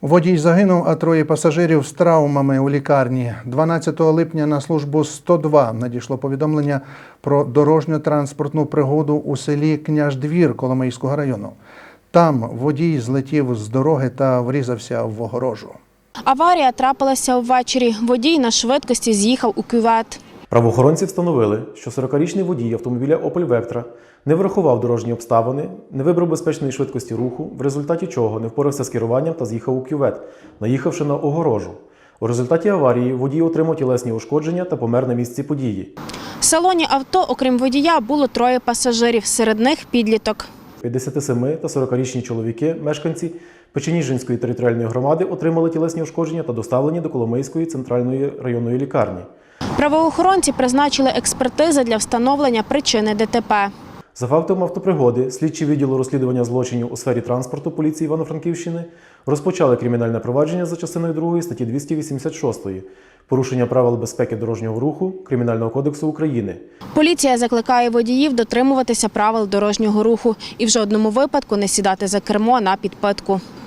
Водій загинув, а троє пасажирів з травмами у лікарні. 12 липня на службу 102 надійшло повідомлення про дорожньо-транспортну пригоду у селі Княждвір Коломийського району. Там водій злетів з дороги та врізався в огорожу. Аварія трапилася ввечері. Водій на швидкості з'їхав у кювет. Правоохоронці встановили, що 40-річний водій автомобіля Opel Vectra не врахував дорожні обставини, не вибрав безпечної швидкості руху, в результаті чого не впорався з керуванням та з'їхав у кювет, наїхавши на огорожу. У результаті аварії водій отримав тілесні ушкодження та помер на місці події. В салоні авто, окрім водія, було троє пасажирів, серед них підліток. 57 та 40-річні чоловіки, мешканці Печеніжинської територіальної громади, отримали тілесні ушкодження та доставлені до Коломийської центральної районної лікарні. Правоохоронці призначили експертизи для встановлення причини ДТП. За фактом автопригоди, слідчі відділу розслідування злочинів у сфері транспорту поліції Івано-Франківщини розпочали кримінальне провадження за частиною 2 статті 286 «Порушення правил безпеки дорожнього руху» Кримінального кодексу України. Поліція закликає водіїв дотримуватися правил дорожнього руху і в жодному випадку не сідати за кермо на підпитку.